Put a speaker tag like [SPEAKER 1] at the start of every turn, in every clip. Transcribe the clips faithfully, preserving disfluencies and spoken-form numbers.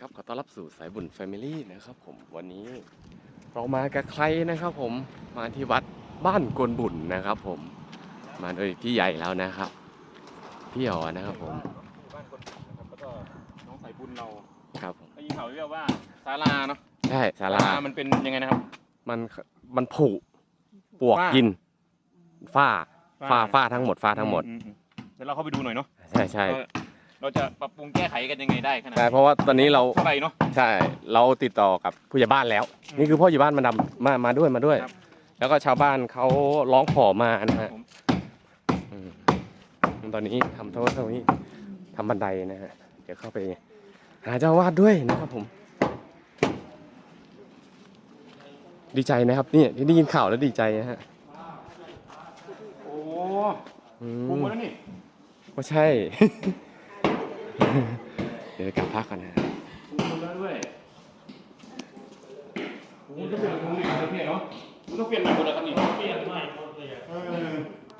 [SPEAKER 1] ครับขอต้อนรับสู่สายบุญแฟมิลี่นะครับผมวันนี้เรามากับใครนะครับผมมาที่วัดบ้านกวนบุญนะครับผมมาโดยพี่ใหญ่แล้วนะครับพี่อ๋อนะครับผม
[SPEAKER 2] บ้านคนนะครับแล้วก็น้องสายบุญเรา
[SPEAKER 1] ครับผม
[SPEAKER 2] ได้ยินข่าวเรียกว่าศาลาเนาะ
[SPEAKER 1] ใช่ศาลา
[SPEAKER 2] มันเป็นยังไงนะครับ
[SPEAKER 1] มันมันผุปวกกินฝ้าฝ้าฝ้าทั้งหมดฝ้าทั้งหมด
[SPEAKER 2] เดี๋ยวเราเข้าไปดูหน่อยเนาะ
[SPEAKER 1] ใช่ใช่
[SPEAKER 2] เราจะปรับปรุงแก้ไขกันยังไงได้ขนาด
[SPEAKER 1] ใช่เพราะว่าตอนนี้เรา
[SPEAKER 2] เท่าไหร่เนาะ
[SPEAKER 1] ใช่เราติดต่อกับผู้ใหญ่บ้านแล้วนี่คือพ่อใหญ่บ้านมาดำมามาด้วยมาด้วยแล้วก็ชาวบ้านเขาร้องขอมานะฮะตอนนี้ทำเท่าเท่านี้ทำบันไดนะฮะเดี๋ยวเข้าไปหาเจ้าวาดด้วยนะครับผมดีใจนะครับนี่ที่ได้ยินข่าวแล้วดีใจนะฮะ
[SPEAKER 2] โอ้ปรุงหมดแล้วนี่
[SPEAKER 1] ก็ใช่ เดี๋ยวกลับพักกันนะ
[SPEAKER 2] ปรุงหมดแล้วด้วยโอ้ต้องเปลี่ยนตรงนี้ประเทศเนาะต้องเปลี่ยนใหม่หมดแล้วครับนี่เปลี่ยนใหม่หมดเลยเออ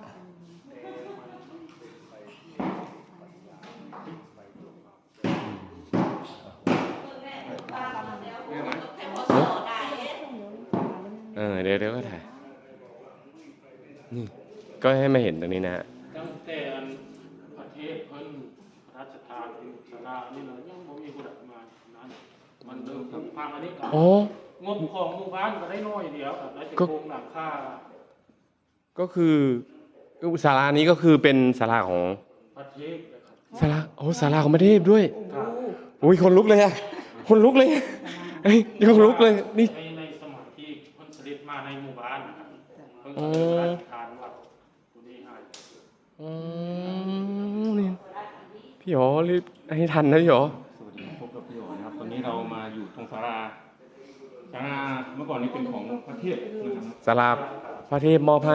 [SPEAKER 1] เออเดี๋ยวเดี๋ยวก็ถ่ายนี่ก็ให้มาเห็นตรงนี้นะฮะ
[SPEAKER 3] ตั้งแต่ประเทศเพิ่นพระราชทานศาลานี่เลยยังบ่มีผู้ใดมานั้นมันเริ่มพังอันนี้ก็งบของหมู่บ้านก็ได้น้อยเดียวแล้วจะโครงหลังคา
[SPEAKER 1] ก็คือศาลานี้ก็คือเป็นศาลาของ
[SPEAKER 3] ประเทศนะครับ
[SPEAKER 1] ศาลาโอ้ศาลาของประเทศด้วยโอ้ยคนลุกเลยอะคนลุกเลยเอ้ยคนลุกเลยนี่
[SPEAKER 3] ในในสมัยที่เพิ่นเสด็จมาในหมู่บ้านนะครับเพิ่นก็ทานวัดตัวนี้ให้
[SPEAKER 1] อ๋อนี่พี่หอรีบให้ทันนะพี่หอ
[SPEAKER 2] สวัสดีพบกับพี่อ๋อนะครับตอนนี้เรามาอยู่ตรงศาลาศาลาเมื่อก่อนนี้เป็นของประเทศนะครับ
[SPEAKER 1] ศาลาพระเทพมอบให้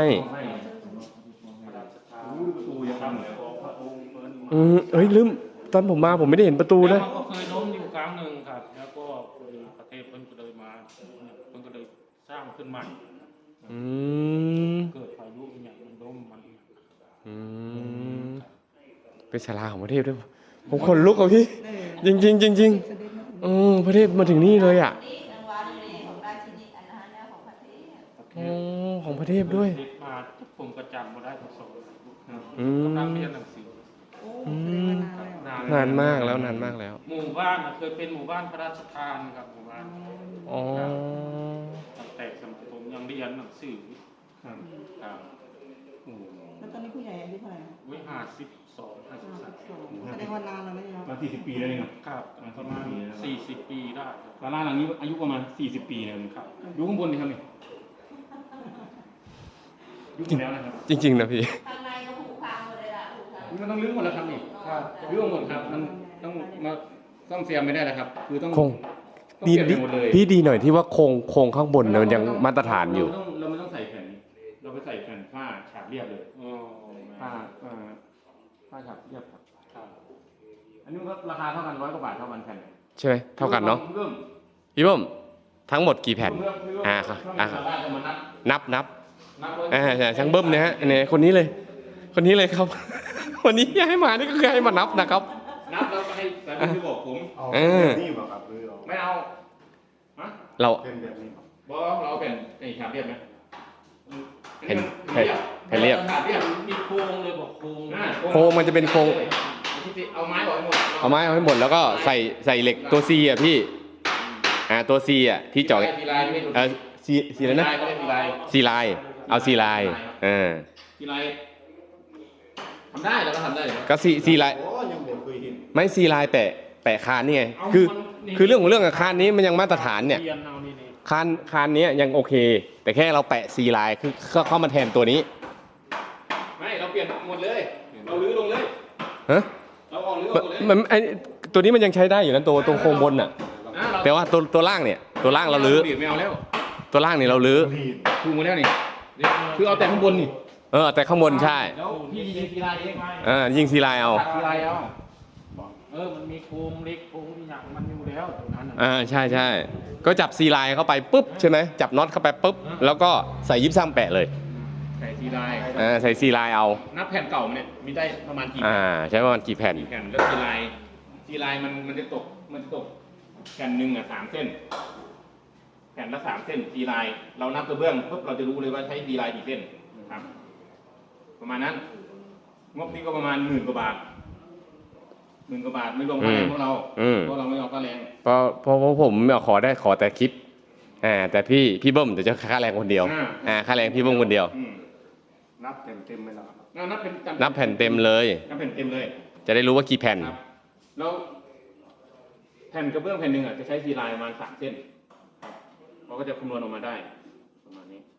[SPEAKER 2] ประตูยังทำเหมือนพระองค์เ
[SPEAKER 1] อืมเอ้ยลืมตอนผมมาผมไม่ได้เห็นประตูนะ
[SPEAKER 3] เขาก็เคยล้มอยู่ครั้งหนึ่งครับแล้วก็ประเทศเพิ่นก็เลยมาเพิ่นก็เลยสร้างขึ้นใหม่
[SPEAKER 1] อืม
[SPEAKER 3] เกิดพายุอย่างมันล้มมัน
[SPEAKER 1] อืมเป็นศาลาของประเทศด้วยผมขนลุกอ่ะพี่จริงจริงจริงจริงเออประเทศมาถึงนี่เลยอ่ะอ๋อของประเทศด้วย
[SPEAKER 3] มาผมก็จำมาได้ทั้งสอง
[SPEAKER 1] ก
[SPEAKER 3] ำลังเรียนหนังสือ
[SPEAKER 1] อืมนานมากแล้วนานมากแล้ว
[SPEAKER 3] หมู่บ้านเคยเป็นหมู่บ้านพระราชทานครับหมู่บ้าน
[SPEAKER 1] อ๋อ
[SPEAKER 3] ตั้งแต่สมัยผมยังเรียนหนังสือครับครับ
[SPEAKER 4] แล้วตอนนี้ผู้ใหญ่อายุเท่าไหร่
[SPEAKER 3] วิหารสิบสองห้าสิบสาม
[SPEAKER 4] แสดงว่านานแล้วไหมครับ
[SPEAKER 2] มาสี่สิบปีแล้วนี่
[SPEAKER 3] ครับประมาณสี่สิบปีได้
[SPEAKER 2] ศาลาหลังนี้อายุประมาณสี่สิบปีนะครับดูข้างบนนี่ครับนี่ยุบแล้วนะครับ
[SPEAKER 1] จริงๆนะพี่
[SPEAKER 4] ข้างในก็ผูกพังหมดเลยล่ะ
[SPEAKER 2] มันต้องรื้อหมดแล้วครับนี่ครับรื้อหมดครับมันต้องมาซ่อมแซมไม่ได้แล้วครับคือต้อง
[SPEAKER 1] คงดีพี่ดีหน่อยที่ว่าโครงโครงข้างบนเนี่ยมันยังมาตรฐานอยู่
[SPEAKER 2] เราไม่ต้องใส่แผ่นเราไปใส่แผ่นผ้าฉาบเรียบเลยผ้าผ้าฉาบเรียบครับอันนี้ก็ราคาเท่ากันร้อยกว่าบาทเท่ากันแผ่น
[SPEAKER 1] ใช่ไหมเท่ากันเนาะพี่เบิ้มทั้งหมดกี่แผ่นอ่าครับอ่านับนับอ่าใช่ช่างเบิ้มเนี่ยฮะเนี่ยคนนี้เลยคนนี้เลยครับวันนี้ให้มานี่ก็คือให้มานับนะครับ
[SPEAKER 2] นับแล้วให้แต่ไม่บอกผม
[SPEAKER 1] เออ
[SPEAKER 2] นี่บอกครับไม่เอา
[SPEAKER 1] เรา
[SPEAKER 2] เป็นแบบนี้บอกเราเป็นไอ้ฉาบเรียบไหม
[SPEAKER 1] แผ่นแผ่นแผ่นเรียบ
[SPEAKER 3] มีโครงเลยบอกโครง
[SPEAKER 1] โครงมันจะเป็นโครง
[SPEAKER 2] เอาไม้ออกให้หมด
[SPEAKER 1] เอาไม้ออกให้หมดแล้วก็ใส่ใส่เหล็กตัวซีอ่ะพี่อ่าตัวซีอ่ะที่จ่อเออซีซีอะไรนะซีลายเอาซีลายเออ
[SPEAKER 2] ซีลายทำได้แล้วก็ทำได้
[SPEAKER 1] ก็ซีซีลายไม่ซีลายแปะแปะคานนี่ไงคือคือเรื่องของเรื่องกับคานนี้มันยังมาตรฐานเนี่ยคานคานนี้ยังโอเคแต่แค่เราแปะซีลายคือเข้ามาแทนตัวนี้
[SPEAKER 2] ไม่เราเปลี่ยนหมดเลยเราลื้อลงเลย
[SPEAKER 1] ฮะ
[SPEAKER 2] เราออกลื้อลงเลย
[SPEAKER 1] มันไอตัวนี้มันยังใช้ได้อยู่นะตัวตัวโครงบนอ่ะแต่ว่าตัวตัวล่างเนี่ยตัวล่างเราลื้อ
[SPEAKER 2] ไม่เอาแล้ว
[SPEAKER 1] ตัวล่างนี่เราลื้อ
[SPEAKER 2] ถูกมาแล้วนี่คือเอาแต่ข้างบนนี่
[SPEAKER 1] เออแต่ข้างบนใช่
[SPEAKER 2] แล้วพี่ยิงซีลายเอง
[SPEAKER 1] เออยิงซีลายเอา
[SPEAKER 2] ซีลายเอา
[SPEAKER 3] เออมันมีโครงเล็กโครงที่อย่างมันอยู่แล้วตรงนั้น
[SPEAKER 1] อ่าใช่ใช่ก็จับซีลายเข้าไปปุ๊บใช่ไหมจับน็อตเข้าไปปุ๊บแล้วก็ใส่ยิบซ้ำแปะเลย
[SPEAKER 2] ใส่ซีลาย
[SPEAKER 1] อ่าใส่ซีลายเอา
[SPEAKER 2] นับแผ่นเก่าเนี่ยมีได้ประมาณกี่
[SPEAKER 1] อ่าใช้ประมาณกี่แผ่น
[SPEAKER 2] แผ่นแล้วซีลายซีลายมันมันจะตกมันจะตกแผ่นหนึ่งอ่ะสามเส้นแผ่นละสามเส้นตีลายเรานับกระเบื้องปุ๊บเราจะรู้เลยว่าใช้ตีลายกี่เส้นครับประมาณนั้นงบนี้ก็ประมาณหมื่นกว่าบาทหมื่นกว่าบาทไม่รวมค่าแรงพวกเราพวกเราไม่เอาค่าแรง
[SPEAKER 1] เพราะเพราะเพราะผมขอได้ขอแต่คลิปอ่าแต่พี่พี่เบิ้มเดี๋ยวจะค่าแรงคนเดียวอ่าค่าแรงพี่เบิ้มคนเดียว
[SPEAKER 3] นับเต็มเต็มๆไปแล้ว
[SPEAKER 2] นับเป็น
[SPEAKER 1] นับแผ่นเต็มเลย
[SPEAKER 2] นับแผ่นเต็มเลย
[SPEAKER 1] จะได้รู้ว่ากี่แผ่น
[SPEAKER 2] ครับแล้วแผ่นกระเบื้องแผ่นหนึ่งอ่ะจะใช้ทีลายประมาณสามเส้นครับเราก็จะคำนวณออกมาได้ประมาณนี้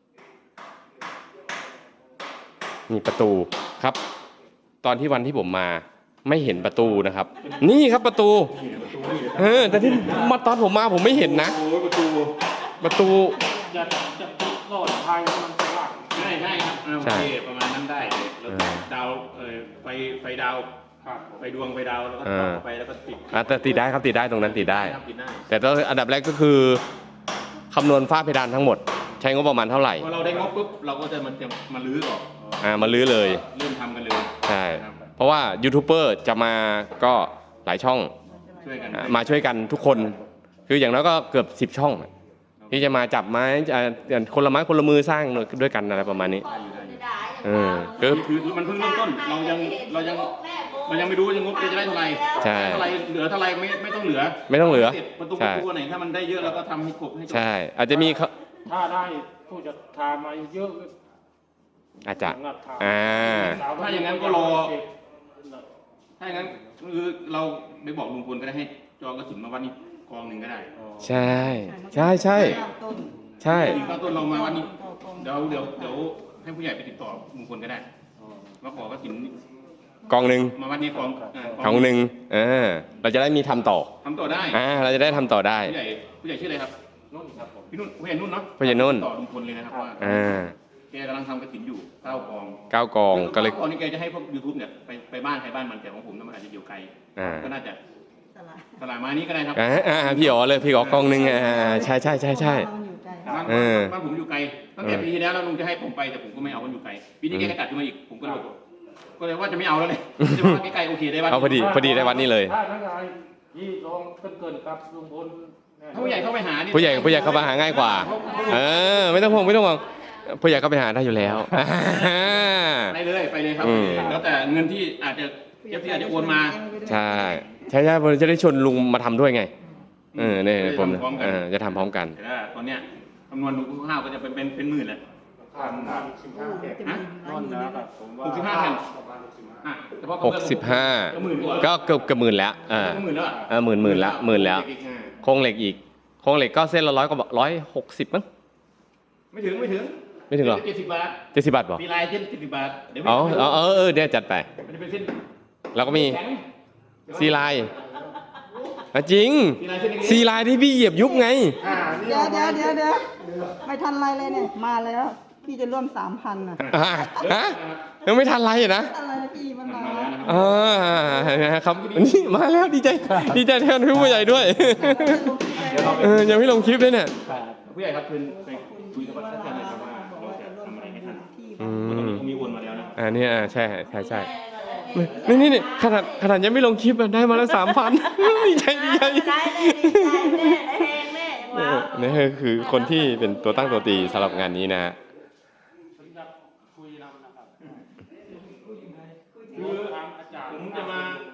[SPEAKER 1] นี่ประตูครับ ตอนที่วันที่ผมมาไม่เห็นประตูนะครับ นี่ครับประตูเออแต่ที่มาตอนผมมาผมไม่เห็นนะ
[SPEAKER 2] โอ้ประตู
[SPEAKER 1] ประตู
[SPEAKER 3] จะจะติดหลอดไฟมันสว่าง
[SPEAKER 2] ใช่ใช่ครับอ่าโอ
[SPEAKER 1] ใช่
[SPEAKER 2] เคประมาณนั้นได้เลยแล้ว
[SPEAKER 1] อ่า
[SPEAKER 2] ดาวเออไฟไฟดาว
[SPEAKER 3] ครับ
[SPEAKER 2] ไฟดวงไฟดาวแล้วก็
[SPEAKER 1] อ่า
[SPEAKER 2] ต่อเข้าไปแล้วก็ติด
[SPEAKER 1] อ่ะแต่ติดได้ครับติดได้ตรงนั้นติดได้
[SPEAKER 2] ครับติดได้
[SPEAKER 1] แต่ต้องอันดับแรกก็คือคำนวณฝ้าเพดานทั้งหมด ใช้งบประมาณเท่าไหร่
[SPEAKER 2] พอเราได้งบปุ๊บเราก็จะมันจะมาลื้อก่อน
[SPEAKER 1] อ่ามาลื้อเลย
[SPEAKER 2] เริ่มทำกันเลย
[SPEAKER 1] ใช่
[SPEAKER 2] ครับ
[SPEAKER 1] เพราะว่ายูทูบเบอร์จะมาก็หลายช่อง
[SPEAKER 2] ช่วยกัน
[SPEAKER 1] อ่ามาช่วยกันทุกคน คืออย่างน้อยก็เกือบสิบช่อง ที่จะมาจับไม้อ่าคนละไม้คนละมือสร้างด้วยกันอะไรประมาณนี้ เออคือ
[SPEAKER 2] คือมันเพิ่งเริ่มต้นเรายังเรายังเรายังไม่รู้ว่าจะงบจะได้เท่าไหร่
[SPEAKER 1] ใช่
[SPEAKER 2] เท่าไหร่เหลือเท่าไหร่ไม่ไม่ต้องเหลือ
[SPEAKER 1] ไม่ต้องเหลือ
[SPEAKER 2] สร็จประตูป
[SPEAKER 1] ใช่
[SPEAKER 2] ระตูไหนถ้ามันได้เยอะเราก็ทำให้ครบให้จบ
[SPEAKER 1] ใช่ อาจจะมีเขา
[SPEAKER 3] ถ้าได้ผู้จัดทามาเยอะ
[SPEAKER 1] อาจจะ
[SPEAKER 3] สำหรับท
[SPEAKER 1] อ่า
[SPEAKER 2] ถ้าอย่างนั้นก็รอ ถ้าอย่างนั้นคือเราไปบอกลุงพลก็ได้ให้จองกระถิ่นมาวัดนี้กองหนึ่งก็ได้
[SPEAKER 1] ใช่ ใช่ใช่
[SPEAKER 4] ต้น
[SPEAKER 1] ใช่
[SPEAKER 2] กระถิ่นข้าวต้นเรามาวัดนี้เดี๋ยวเดี๋ยวเดี๋ยวให้ผู้ใหญ่ไปติดต่อลุงพลก็ได้มาขอกระถิ่น
[SPEAKER 1] กองหนึ่ง
[SPEAKER 2] มาวัดนี้กองาก
[SPEAKER 1] องหนึ่งเออเราจะได้มีทำต่อ
[SPEAKER 2] ทำต่อได้
[SPEAKER 1] อ่าเราจะได้ทำต่อได้
[SPEAKER 2] ผู้ใหญ่ผู้ใหญ่ชื่ออะไรครับ
[SPEAKER 3] นุ่นครับผม
[SPEAKER 2] พี่นุ่นผู้ใหญ่นุ่นเนาะ
[SPEAKER 1] ผู้ใหญ่นุ่น
[SPEAKER 2] ต่อลุงพลเลยนะครับว่า
[SPEAKER 1] อ่า
[SPEAKER 2] แกกำลังทำกระถิ่นอยู่เก้ากอง
[SPEAKER 1] เก้ากองก็เลย
[SPEAKER 2] ก้ากองนี่แกจะให้พวกยูทูบเนี่ยไปไปบ้านใครบ้านมันแต่ของผมมันอาจจะอยู่ไกล
[SPEAKER 1] อ่า
[SPEAKER 2] ก็น่าจะ
[SPEAKER 4] สลาย
[SPEAKER 2] ตลาดมานี้ก็ได้ครับ
[SPEAKER 1] อ่าอ่าพี่อ๋อเลยพี่อ๋อกองหนึ่งอ่าใช่ใช่ใช่ใช่
[SPEAKER 4] มันอยู่ไกล
[SPEAKER 2] บ้าน
[SPEAKER 1] เออ
[SPEAKER 2] บ้านผมอยู่ไกลตั้งแต่
[SPEAKER 1] เออ
[SPEAKER 2] ปีที่แล้วแล้วลุงจะให้ผมไปแต่ผมก็ไม่เอามันอยู่ไกลปีนี้แกก็จัดขึ้นมาอีกผมก็เลยก็เลยว่าจะไม่เอาแล้วเลยจะว่าใกล้ๆโอเคได้บ้าน
[SPEAKER 1] เอาพอดีพอดีได้วัดนี้เลย
[SPEAKER 3] ถ้านักงานยี่ลองเกินเกินๆครับลุงพลแน่
[SPEAKER 2] ถ้าผู้ใหญ่เข้าไปหานี่
[SPEAKER 1] ผู้ใหญ่ผู้ใหญ่เข้ามาหาง่ายกว่า เออ ไม่ต้องห่วงไม่ต้องห่วงผู้ใหญ่เข้าไปหาได้อยู่แล้ว
[SPEAKER 2] ไปเลยไปเลยครับ
[SPEAKER 1] อืม
[SPEAKER 2] แล้วแต่เงินที่อาจจะเอฟซีอาจจะโอนมา
[SPEAKER 1] ใช่ใช่ใช่ผมจะได้ชวนลุงมาทำด้วยไง เออเนี่ยผม
[SPEAKER 2] จะทำพร้อมกัน
[SPEAKER 1] เออจะทำพร้อมกัน
[SPEAKER 2] แต่ถ้าตอนเนี้ยคำนวณดูข้าวก็จะเป็นเป็นเป็นหมื่นแหละ
[SPEAKER 3] ผ่านผ่านสิบห้าแผ่น
[SPEAKER 4] จะมี
[SPEAKER 3] นอนนะครับผมว่า
[SPEAKER 2] หกสิบห้าแผ่น
[SPEAKER 3] ประมาณหกสิบห้า
[SPEAKER 2] อ่ะเฉพาะ
[SPEAKER 1] หกสิบห้า
[SPEAKER 2] ก็หมื่นกว่า
[SPEAKER 1] ก็เกือบเกือบหมื่นแล้วเออ
[SPEAKER 2] ก็หมื่นแล้วอะ
[SPEAKER 1] เออหมื่นหมื่นละหมื่นแล้ว
[SPEAKER 2] อีกอ่ะ
[SPEAKER 1] โครงเหล็กอีกโครงเหล็กก็เส้นละร้อยกว่าร้อยหกสิบมั้ง
[SPEAKER 2] ไม่ถึงไม่ถึง
[SPEAKER 1] ไม่ถึงหรอ
[SPEAKER 2] เจ็ดสิบบาท
[SPEAKER 1] เจ็ดสิบบาทป่ะ
[SPEAKER 2] มีลายเส้นเจ็ดสิบบาทเดี๋ยว
[SPEAKER 1] อ๋อ
[SPEAKER 2] ไม่
[SPEAKER 1] อ๋อเออเออเดี๋ยวจัดไป
[SPEAKER 2] มันจะเป็นเส้น
[SPEAKER 1] แล้วก็มี
[SPEAKER 2] แข็ง
[SPEAKER 1] ซีไลน์อ่ะจริง
[SPEAKER 2] มีลายเส้นเล็กๆ
[SPEAKER 1] ซีไลน์ที่พี่เหยียบยุบไง
[SPEAKER 3] อ่านี่
[SPEAKER 4] เดี๋ยวเดี๋ยวเดี๋ยวเดี๋ยวไม่ทันไรเลยเนี่ย มาแล้ว พี่จะร่วมสามพันนะ
[SPEAKER 1] อ่าฮะยังไม่ทันไรนะ
[SPEAKER 4] อะไรนะพี่มันมาแล้ว
[SPEAKER 1] อ่าครับนี่มาแล้วดีใจดีใจแทนพี่ผู้ใหญ่ด้วยเออยังไม่ลงคลิปเลยเนี่ย
[SPEAKER 2] ผู้ใหญ่ครับเชิญไปคุยกับท่านอาจารย์หน่อยครับว่าเราจะทำอะไรให้ท่าน
[SPEAKER 1] อื
[SPEAKER 2] ตอน
[SPEAKER 1] ม
[SPEAKER 2] นี้เขามีโอนมาแล้วนะ
[SPEAKER 1] อ่านี่อ่าใช่ใช่ใช่นี่นี่นี่ขนาดขนาดยังไม่ลงคลิปอะได้มาแล้วสามพันดีใจดีใจ
[SPEAKER 4] ได้เลยดีใจแม่ได้แหงแม่ว้าว
[SPEAKER 1] นี่คือคนที่เป็นตัวตั้งตัวตีสำหรับงานนี้นะฮะ
[SPEAKER 3] ผมจะคุยนำนะครับคือทางอาจารย์
[SPEAKER 2] ผมจะมา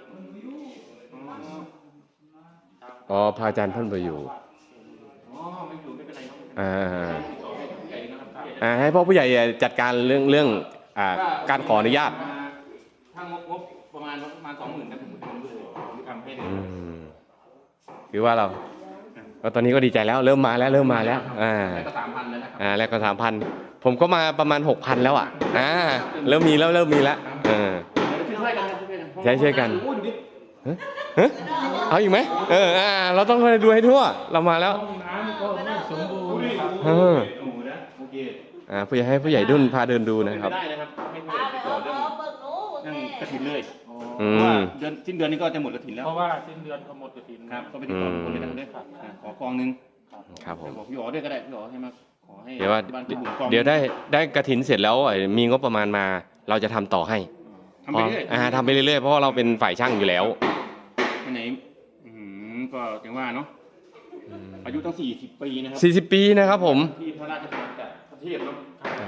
[SPEAKER 1] อ๋อพระอาจารย์ท่านไปอยู่
[SPEAKER 2] อ๋อไม่อยู่ไม่เป็นไรครับ
[SPEAKER 1] อ่า
[SPEAKER 2] ติดต่อให้ผู้ใหญ่นะครับผู้ใหญ่
[SPEAKER 1] อ่าให้พ่อผู้ใหญ่จัดการเรื่องเรื่องอ่าการขออนุญาต
[SPEAKER 2] ถ้างบงบประมาณประมาณสองหมื่นนะผมทำด้วยผมทำให้เลย
[SPEAKER 1] อืมคือว่าเราก็ตอนนี้ก็ดีใจแล้วเริ่มมาแล้วเริ่มมาแล้วอ่า
[SPEAKER 2] แล้วก็สามพันแล้วนะครับ
[SPEAKER 1] อ่าแรกก็สามพันผมก็มาประมาณหกพันแล้วอ่ะอ่าเริ่มมีแล้วเริ่มมีแล้วเออ
[SPEAKER 2] ช่วยกันช่วยกัน
[SPEAKER 1] ใช่ช่วยกัน
[SPEAKER 2] โอ้ดูดิ
[SPEAKER 1] เฮ้ยเอาอีกไหมเอออ่าเราต้องไปดูให้ทั่วเรามาแล้ว
[SPEAKER 3] ห้องน้ำก็ไม่สมบูรณ์ครับ
[SPEAKER 1] เออ
[SPEAKER 2] โอ้โหนะโอเค
[SPEAKER 1] อ่าผู้ใหญ่ให้ผู้ใหญ่ดุนพาเดินดูนะครับ
[SPEAKER 2] ไม่ได้นะครับให้ผู้ใหญ่ติดต่อเรื่องเรื่องกระถินเลย
[SPEAKER 1] อืม
[SPEAKER 2] เพราะว่าเดือนสิ้นเดือนนี้ก็จะหมดกระถินแล้ว
[SPEAKER 3] เพราะว่าสิ้นเดือนก็หมดกระถิน
[SPEAKER 2] ครับก็ไปติดต่อคนเลยกันด้วยครับอ่ะขอกองหนึง
[SPEAKER 1] ครับผม
[SPEAKER 2] บอกพี่อ๋อด้วยก็ได้พี่อ๋อให้มาขอให้
[SPEAKER 1] เดี๋ยวว่า
[SPEAKER 2] บ้านพี่บุ๋มกอง
[SPEAKER 1] เดี๋ยวได้ได้กระถินเสร็จแล้วไอ้มีงบประมาณมา เราจะทำต่อให้
[SPEAKER 2] ทำไปเรื่อย
[SPEAKER 1] อ่าทำไปเรื่อยๆเพราะว่าเราเป็นฝ่ายช่างอยู่แล้ว
[SPEAKER 2] ไปไหนอืมก็จังว่าเนาะอายุตั้งสี่สิบปีนะครับ
[SPEAKER 1] สี่สิบปีนะครับผม
[SPEAKER 2] ที่พระราชทานจากประเทศเนาะ
[SPEAKER 1] อ่า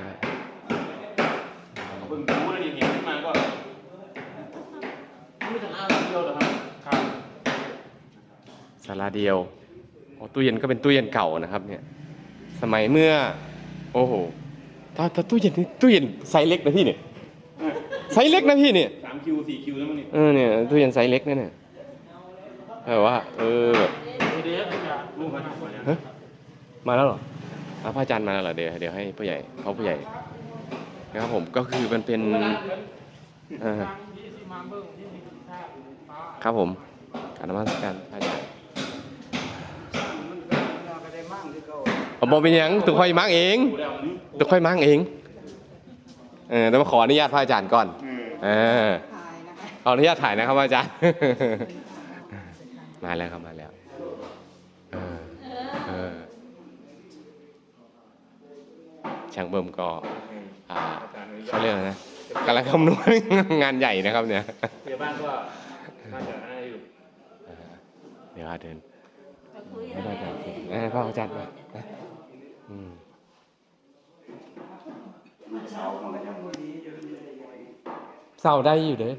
[SPEAKER 2] เพิ่งรู้แล้วนี่เห็นขึ้นมาก็
[SPEAKER 3] ไม่ถึงห้าร้อยเดียวเหรอครับครับ
[SPEAKER 1] ศาลาเดียวโอ้ตู้เย็นก็เป็นตู้เย็นเก่านะครับ เนี่ย สมัยเมื่อ โอ้โหถ้าถ้าตู้เย็นนี่ตู้เย็นไซส์เล็กนะพี่เนี่ยไซส์เล็กนะพี่เนี่ย
[SPEAKER 2] สามคิวสี่คิวแล้วมั้งนี่
[SPEAKER 1] เออเนี่ยตู้เย็นไซส์เล็กนะเนี่ยแบบว่า เออแบบ
[SPEAKER 3] เดี๋ยวจะ
[SPEAKER 2] ลูกมาทำก่อนแล้ว
[SPEAKER 1] ฮะมาแล้วเหรออ่ะพระอาจารย์มาแล้วเหรอเดี๋ยวเดี๋ยวให้ผู้ใหญ่เขาผู้ใหญ่นะครับผมก็คือมันเป็นเออครับผมการนมัสการพระอาจารย์ผมบอกเป็นหยังตุกค่อยมั่งเอง
[SPEAKER 2] ดูแล้วอืม
[SPEAKER 1] ตุกค่อยมั่งเองเออต้องมาขออนุญาตพระอาจารย์ก่อน
[SPEAKER 2] อืม
[SPEAKER 1] เออ
[SPEAKER 4] ถ่ายนะคะ
[SPEAKER 1] ขออนุญาตถ่ายนะครับอาจารย์ มาแล้วครับมาแล้วเออเออช่างเบิ่มก็อ่าเขาเรียกอะไรนะกำลังคำนวณ งานใหญ่นะครับเนี่ย
[SPEAKER 2] พยาบาลก็น่าจะน่าจะอยู่
[SPEAKER 1] เออเดี๋ยวอาเดินไม่ได้อาจารย์สิเออพ่ออาจารย์มานะอืมเศร้าได้อยู่เด้อ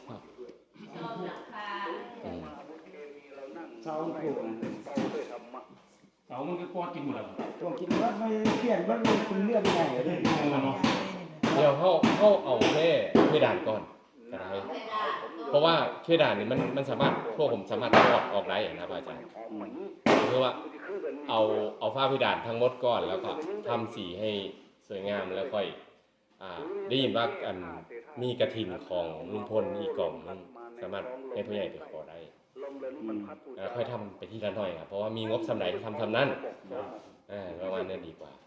[SPEAKER 1] อืม
[SPEAKER 5] เสาถูก
[SPEAKER 2] เสามันก็กอดกินหมดแล้ว
[SPEAKER 5] ตัวกินว่าไม่เปลี่ยนว่ามันคุณเลือกยังไงเลย
[SPEAKER 2] เนาะ
[SPEAKER 1] เดี๋ยวเข้าเข้าเอาแค่เพดานก่อนก็ได้เพราะว่าเพดานนี่มันมันสามารถพวกผมสามารถถอดออกได้อย่างนะอาจารย์คือว่าเอาเอาฝ้าเพดานทั้งหมดก่อนแล้วก็ทำสีให้สวยงามแล้วค่อยอ่าได้ยินว่าอันมีกระถินของลุงพลอีกกล่องนึงสามารถให้ผู้ใหญ่ไปขอได้แล้วค่อยทำไปทีละหน่อยครับเพราะว่ามีงบสำไหนทำทำนั่นอ่าประมาณนี้ดีกว่า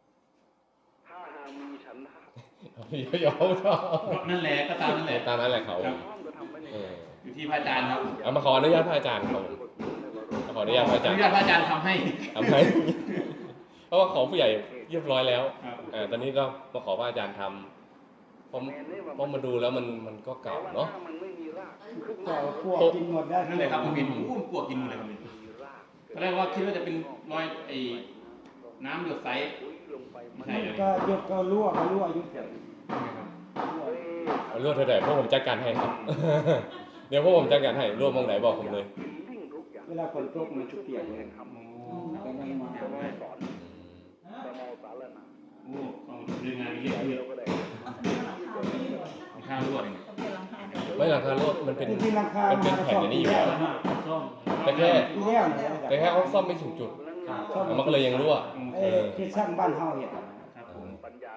[SPEAKER 1] เดี๋ยวๆ
[SPEAKER 2] นั่นแหละก็ตามนั่นแหละ
[SPEAKER 1] ตามนั้นแหละเขา
[SPEAKER 2] ครับ
[SPEAKER 1] เออ
[SPEAKER 2] อยู่ที่พระอาจารย์ครับ
[SPEAKER 1] เอามาขออนุญาตพระอาจารย์ครับผมมาขออนุญาตพระอาจาร
[SPEAKER 2] อ
[SPEAKER 1] ย์
[SPEAKER 2] นุญาตพระอาจารย์ทำให้
[SPEAKER 1] ทำให้ เพราะว่าของผู้ใหญ่เรียบร้อยแล้ว
[SPEAKER 2] ครับ
[SPEAKER 1] เออตอนนี้ก็มาขอพระอาจารย์ทำผมผมมาดูแล้วมันมันก็เก่าเนาะ
[SPEAKER 5] ก็พวกกินหมดได้
[SPEAKER 2] นั่นแหละครับผมเห็นผมอู้ปวกกินหมดเลยครับตอนแรกว่าคิดว่าจะเป็นรอยไอ้น้ำหยดใสไม่ใช่เลย
[SPEAKER 5] ก็ยกก็รั่วก็รั่วอยู่เกิด
[SPEAKER 1] เอารวดเท่าไหร่พวกผมจัดการให้ครับ เดี๋ยวพวกผมจัดการให้รวดมองไหนบอกผมเลย
[SPEAKER 5] เวลาฝนตกมันชุบเปียกเลยก็ยังมา
[SPEAKER 2] โอ้ต้องดูงานเยอะเยอะข้าวรวด
[SPEAKER 1] ไม่หลังคารถมันเป็น
[SPEAKER 5] ที่ราคา
[SPEAKER 1] มันเป็นแผ่นอันนี้อยู่แล้ว
[SPEAKER 3] ซ่อม
[SPEAKER 1] แต่แค่
[SPEAKER 5] ที่แล้วเนี่ย
[SPEAKER 1] แต่แค่เขาซ่อมไม่ถึงจุดมันก็เลยยังรั่ว
[SPEAKER 5] ไอ้ที่ช่างบ้านเฮาเนี่ย
[SPEAKER 2] ครับผม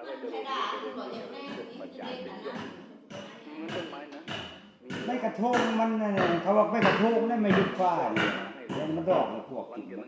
[SPEAKER 5] ไม่กระทงมันน่ะเขาบอกไม่กระทงนั่นไม่ยุบฟ้าเนี่ยมันดอกเลยพวกกินมัน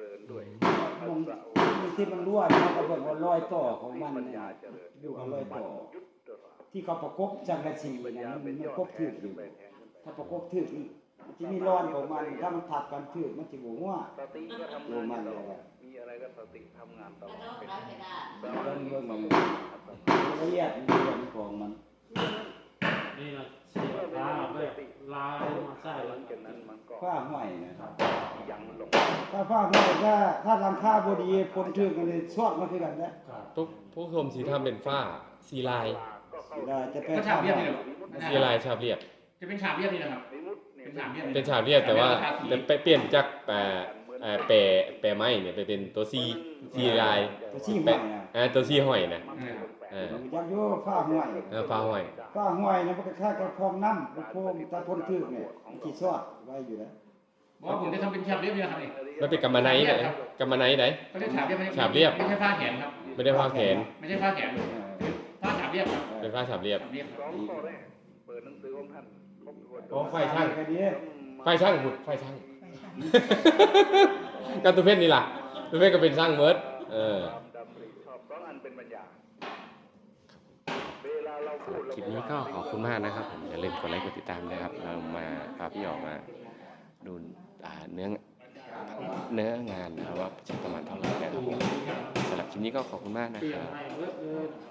[SPEAKER 5] มันที่มันรั่วมันก็บอกว่ารอยต่อของมันเนี่ยดูเอารอยต่อ ที่เขาประกบจังกะสีนะมันมันประกบถืออยู่ถ้าประกบถือนี่ที่มีร้อนของมันถ้ามันถัดกันถือมันจะหัวว่าหัวมันเลยอะมีอะไรก็สติทำงานตลอดเรื่องเรื่องมันละเอียดเรื่องของมัน
[SPEAKER 3] นี่นะเสียบลาแบบลายมาใส่แล้ว
[SPEAKER 5] ฝ้าห้อยนะครับถ้าฝ้าห้อยถ้าถ้าหลังคาบดีคนถือกันเลยชอดมาคือกันนะ
[SPEAKER 1] ทุกผู้ชมสีทำเป็นฝ้าสีลาย
[SPEAKER 5] เวลาจะเป็น
[SPEAKER 2] ก็ฉาบเรียบนี่แหละ
[SPEAKER 1] สีลายฉาบเรียบ
[SPEAKER 2] จะเป็นฉาบเรียบนี่นะครับเป็นฉาบเรียบ
[SPEAKER 1] เป็นฉาบเรียบแต่ว่าแต่ไปเปลี่ยนจากแปะเอ่อแปะแปะไม้เนี่ยไปเป็นตัวซีซีลาย
[SPEAKER 5] ตัวชี้ห้อย
[SPEAKER 1] แปะ
[SPEAKER 5] นะ
[SPEAKER 1] อ่าตัวซีห้อยนะเออ
[SPEAKER 5] ยักษ์โย่ฝ้าห้อย
[SPEAKER 1] เออฟ้าห้อย
[SPEAKER 5] ฝ้าห้อยนะมันก็ค่ากระพองน้ำกระพองตาพนถือเนี่ยมันที่ชอดไว้อยู่แล้ว
[SPEAKER 2] ว่าผมจะทำเป็นฉาบเรียบนี่นะครับนี่
[SPEAKER 1] มันเป็นกำมะไนท์ไหนกำมะไนท์ไหน
[SPEAKER 2] เขาเรียกฉาบเรียบไม่ใช่
[SPEAKER 1] ฉาบเรียบ
[SPEAKER 2] ไม่ใช่ผ้าแขนครับ
[SPEAKER 1] ไม่ได้ผ้าแขน
[SPEAKER 2] ไม่ใช่ผ้าแขนผ้าฉาบเรียบครับ
[SPEAKER 1] เป็นผ้าฉาบเรียบ
[SPEAKER 2] ฉาบเรียบครับ
[SPEAKER 1] อ๋อไฟช่าง
[SPEAKER 5] ก็ดี
[SPEAKER 1] ไฟช่างหุดไฟช่าง การตุเพชรนี่ล่ะตุเพชรก็เป็นช่างเมิร์ดเออคลิปนี้ก็ขอบคุณมากนะครับผมอย่าลืมกดไลค์กดติดตามนะครับ เรามาพาพี่ออกมาดูอ่าเนื้อเนื้องานนะครับว่าจะประมาณเท่าไหร่นะครับผมสำหรับคลิปนี้ก็ขอบคุณมากนะ
[SPEAKER 3] เปลี่
[SPEAKER 1] ค
[SPEAKER 3] ยน
[SPEAKER 1] รับ
[SPEAKER 3] ให้เยอะเลย